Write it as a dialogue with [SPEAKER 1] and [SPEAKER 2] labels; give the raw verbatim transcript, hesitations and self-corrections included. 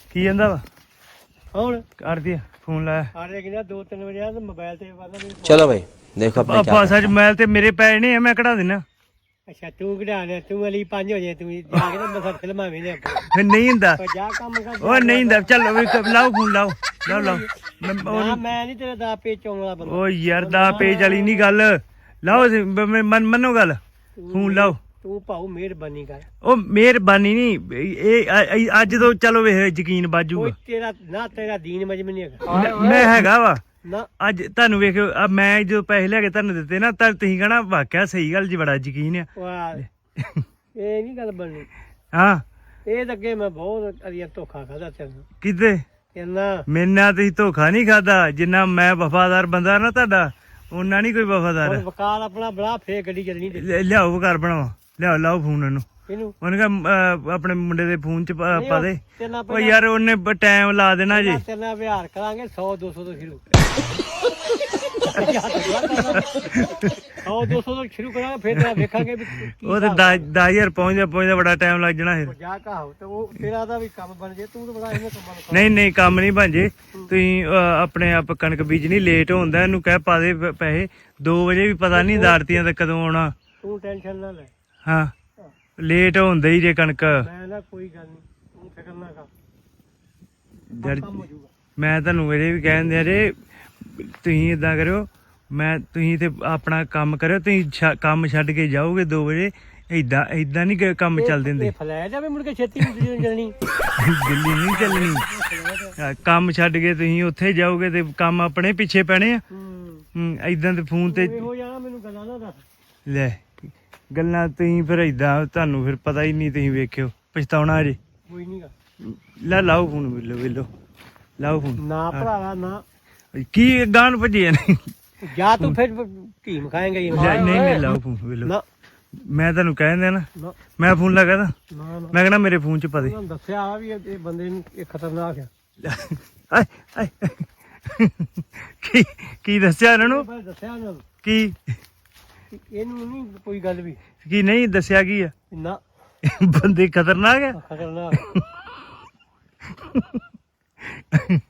[SPEAKER 1] ਕੀ ਕਹਿੰਦਾ ਵਾ
[SPEAKER 2] ਹੁਣ
[SPEAKER 1] ਕਰਦੀ ਫੋਨ ਲਾਇਆ
[SPEAKER 2] ਆਰੇ ਕਿਹਾ ਦੋ ਤਿੰਨ ਵਜੇ ਆ ਤੇ ਮੋਬਾਈਲ ਤੇ
[SPEAKER 3] चलो भाई देखो अपने क्या
[SPEAKER 1] ਪਾਸਾ ਚ ਮੈਲ ਤੇ ਮੇਰੇ ਪੈ ਨੇ ਮੈਂ ਕਢਾ ਦੇਣਾ
[SPEAKER 2] ਅੱਛਾ ਤੂੰ ਕਢਾ ਲਿਆ ਤੂੰ ਅਲੀ ਪੰਜ ਹੋ ਜਾਏ ਤੂੰ ਜਾ ਕੇ ਨਾ ਮਸਾ ਫਿਲਮਾਂ ਵੇਨੇ ਆਪਾਂ
[SPEAKER 1] ਫਿਰ ਨਹੀਂ ਹੁੰਦਾ
[SPEAKER 2] ਉਹ ਜਾ ਕੰਮ ਕਰ
[SPEAKER 1] ਉਹ ਨਹੀਂ ਹੁੰਦਾ ਚੱਲ ਵੀ ਕ- ਲਾਓ ਫੋਨ ਲਾਓ ਲਾਓ ਲਾਓ ਮੈਂ-
[SPEAKER 2] ਨਾ
[SPEAKER 1] ਉਹ-
[SPEAKER 2] ਮੈਂ ਨਹੀਂ ਤੇਰਾ ਦਾ ਪੇਚ ਚੋਣ ਵਾਲਾ ਬੰਦਾ
[SPEAKER 1] ਉਹ ਯਾਰ ਦਾ ਪੇਜ ਵਾਲੀ ਨਹੀਂ ਗੱਲ ਲਾਓ ਜੀ, ਬ- ਮ- ਮੰਨ- ਮੰਨੋ ਗੱਲ ਫੋਨ ਲਾਓ
[SPEAKER 2] ਤੂੰ ਭਾਉ ਮਿਹਰਬਾਨੀ ਕਰ
[SPEAKER 1] ਉਹ ਮਿਹਰਬਾਨੀ ਨਹੀਂ ਇਹ ਅ- ਅ- ਅੱਜ ਤੋਂ ਚਲੋ ਵੇ ਯਕੀਨ ਬਾਜੂਗਾ
[SPEAKER 2] ਕੋਈ ਤੇਰਾ ਨਾ ਤੇਰਾ ਦੀਨ ਮਜਮ ਨਹੀਂ ਹੈਗਾ
[SPEAKER 1] ਮੈਂ ਹੈਗਾ ਵਾ
[SPEAKER 2] ਨਾ
[SPEAKER 1] ਅੱਜ ਤੁਹਾਨੂੰ ਵੇਖਿਓ ਆ ਮੈਂ ਜਦੋਂ ਪੈਸੇ ਲੈ ਕੇ ਤੁਹਾਨੂੰ ਦਿੱਤੇ ਨਾ ਤਾਂ ਤੁਸੀਂ ਕਹਣਾ ਵਾਕਿਆ ਸਹੀ ਗੱਲ ਜੀ ਬੜਾ ਯਕੀਨ ਆ
[SPEAKER 2] ਵਾਹ ਇਹ ਨਹੀਂ ਗੱਲ ਬਣਨੀ
[SPEAKER 1] ਹਾਂ
[SPEAKER 2] ਇਹ ਤਾਂ ਅੱਗੇ ਮੈਂ ਬਹੁਤ ਅਰੀਆ ਧੋਖਾ ਖਾਦਾ ਤੈਨੂੰ
[SPEAKER 1] ਕਿਤੇ
[SPEAKER 2] ਕਹਿੰਦਾ
[SPEAKER 1] ਮੇਰੇ ਨਾਲ ਤੁਸੀਂ ਧੋਖਾ ਨਹੀਂ ਖਾਦਾ ਜਿੰਨਾ ਮੈਂ ਵਫਾਦਾਰ ਬੰਦਾ ਨਾ ਤੁਹਾਡਾ ਉਹਨਾਂ ਨਹੀਂ ਕੋਈ ਵਫਾਦਾਰ
[SPEAKER 2] ਹੁਣ ਵਕਾਲ ਆਪਣਾ ਬੜਾ ਫੇਰ ਗੱਡੀ ਚੱਲਣੀ ਤੇ
[SPEAKER 1] ਲਿ- ਲਿਆਓ ਘਰ ਬਣਾਓ ਲਿਆਓ ਲਾਓ ਫੋਨ ਇਹਨੂੰ
[SPEAKER 2] ਇਹਨੂੰ
[SPEAKER 1] ਉਹਨੇ ਕਹਾ ਆਪਣੇ ਮੁੰਡੇ ਦੇ ਫੋਨ ਚ ਪਾ ਪਾ ਦੇ
[SPEAKER 2] ਤੇ ਨਾ
[SPEAKER 1] ਉਹ ਯਾਰ ਉਹਨੇ ਟਾਈਮ ਲਾ ਦੇਣਾ ਜੀ
[SPEAKER 2] ਤੇਰੇ ਨਾਲ ਵਿਹਾਰ ਕਰਾਂਗੇ ਸੌ ਦੋ ਸੌ ਤੋਂ ਸ਼ੁਰੂ ਸੌ ਦੋ ਸੌ ਤੋਂ ਸ਼ੁਰੂ ਕਰਾਂਗੇ ਫਿਰ ਤੇਰਾ ਵੇਖਾਂਗੇ ਵੀ ਕੀ
[SPEAKER 1] ਉਹ ਤੇ ਦਸ ਹਜ਼ਾਰ ਪਹੁੰਚਦਾ ਪਹੁੰਚਦਾ ਬੜਾ ਟਾਈਮ ਲੱਗ ਜਾਣਾ ਫਿਰ
[SPEAKER 2] ਜਾ ਕਹਾਓ ਤੇ ਉਹ ਤੇਰਾ ਦਾ ਵੀ ਕੰਮ ਬਣ ਜੇ ਤੂੰ ਤਾਂ ਬੜਾ ਇਹਨੇ ਕੰਮਾਂ ਨੂੰ
[SPEAKER 1] ਨਹੀਂ ਨਹੀਂ ਕੰਮ ਨਹੀਂ ਭਾਂਜੇ ਤੁਸੀਂ ਅਹ, ਆਪਣੇ ਆਪ ਕਣਕ ਬੀਜਣੀ ਲੇਟ ਹੁੰਦਾ ਇਹਨੂੰ ਕਹਿ ਪਾ ਦੇ ਪ- ਪੈਸੇ ਦੋ ਵਜੇ ਵੀ ਪਤਾ ਨਹੀਂ ਦਾੜਤੀਆਂ ਤੇ ਕਦੋਂ ਆਉਣਾ
[SPEAKER 2] ਤੂੰ ਟੈਨਸ਼ਨ ਨਾ ਲੈ
[SPEAKER 1] ਹਾਂ ਲੇਟ ਹੁੰਦੇ ਹੀ ਜੇ ਕਣਕ
[SPEAKER 2] ਮੈਂ ਨਾ ਕੋਈ ਗੱਲ ਨਹੀਂ ਤੂੰ ਫਿਕਰ ਨਾ ਕਰ
[SPEAKER 1] ਜਦ
[SPEAKER 2] ਕੰਮ ਹੋ ਜਾਊਗਾ
[SPEAKER 1] ਮੈਂ ਤੁਹਾਨੂੰ ਇਹ ਵੀ ਕਹਿੰਦੇ ਆ ਜੇ ਤੁਸੀਂ ਇਦਾਂ ਕਰਿਓ ਮੈਂ ਤੁਸੀਂ ਤੇ ਆਪਣਾ ਕੰਮ ਕਰਿਓ ਤੁਸੀਂ ਛ- ਕੰਮ ਛੱਡ ਕੇ ਜਾਓਗੇ ਦੋ ਵਜੇ ਏਦਾਂ ਏਦਾਂ ਨਹੀਂ ਕੰਮ ਚੱਲਦੇ ਹੁੰਦੇ
[SPEAKER 2] ਇਹ ਫਲੈ ਜਾਵੇ ਮੁੜ ਕੇ ਛੇਤੀ ਨਹੀਂ ਚੱਲਣੀ
[SPEAKER 1] ਦਿੱਲੀ ਨਹੀਂ ਚੱਲਣੀ ਹਾਂ, ਕੰਮ ਛੱਡ ਕੇ ਤੁਸੀਂ ਉੱਥੇ ਜਾਓਗੇ ਤੇ ਕੰਮ ਆਪਣੇ ਪਿੱਛੇ ਪੈਣੇ ਆ
[SPEAKER 2] ਹੂੰ
[SPEAKER 1] ਹੂੰ, ਏਦਾਂ ਤੇ ਫੋਨ ਤੇ
[SPEAKER 2] ਇਹੋ ਜਾਣਾ ਮੈਨੂੰ ਗੱਲਾਂ ਨਾ ਦੱਸ
[SPEAKER 1] ਲੈ ਗੱਲਾਂ ਤੁਸੀਂ ਫਿਰ ਏਦਾਂ ਤੁਹਾਨੂੰ ਫਿਰ ਪਤਾ ਹੀ ਨਹੀਂ ਤੁਸੀਂ ਵੇਖਿਓ ਪਛਤਾਉਣਾ ਜੇ
[SPEAKER 2] ਕੋਈ ਨਹੀਂ ਗਾ
[SPEAKER 1] ਲੈ ਲਾਓ ਫੋਨ ਵੇਲੋ ਵੇਲੋ ਲਾਓ ਫੋਨ
[SPEAKER 2] ਨਾ ਭਰਾਵਾ ਨਾ
[SPEAKER 1] ਕੀ ਗਾਣ ਭੱਜੇ ਨਹੀਂ
[SPEAKER 2] ਜਾ ਤੂੰ ਫਿਰ ਢੀਮ ਖਾਏਂਗਾ ਹੀ
[SPEAKER 1] ਨਹੀਂ ਨਹੀਂ ਲਾਓ ਫੋਨ ਵੇਲੋ
[SPEAKER 2] ਨਾ
[SPEAKER 1] ਮੈਂ ਤੁਹਾਨੂੰ ਕਹਿ ਦਿੰਦਾ ਨਾ
[SPEAKER 2] ਨਾ
[SPEAKER 1] ਮੈਂ ਫੋਨ ਲਗਾਦਾ
[SPEAKER 2] ਨਾ ਨਾ
[SPEAKER 1] ਮੈਂ ਕਹਿੰਦਾ ਮੇਰੇ ਫੋਨ ਚ ਪਾ ਦੇ
[SPEAKER 2] ਉਹਨਾਂ ਦੱਸਿਆ ਆ ਵੀ ਇਹ ਇਹ ਬੰਦੇ ਨੂੰ ਇਹ ਖਤਰਨਾਕ ਆ
[SPEAKER 1] ਆਏ ਆਏ ਕੀ ਕੀ ਦੱਸਿਆ ਇਹਨਾਂ ਨੂੰ
[SPEAKER 2] ਪਰ ਦੱਸਿਆ ਉਹਨਾਂ ਨੂੰ
[SPEAKER 1] ਕੀ
[SPEAKER 2] ਕਿ ਇਹਨੂੰ ਨਹੀਂ ਕੋਈ ਗੱਲ ਵੀ
[SPEAKER 1] ਕੀ ਨਹੀਂ ਦੱਸਿਆ ਕੀ ਆ
[SPEAKER 2] ਨਾ
[SPEAKER 1] ਬੰਦੇ ਖਤਰਨਾਕ ਆ
[SPEAKER 2] ਖਤਰਨਾਕ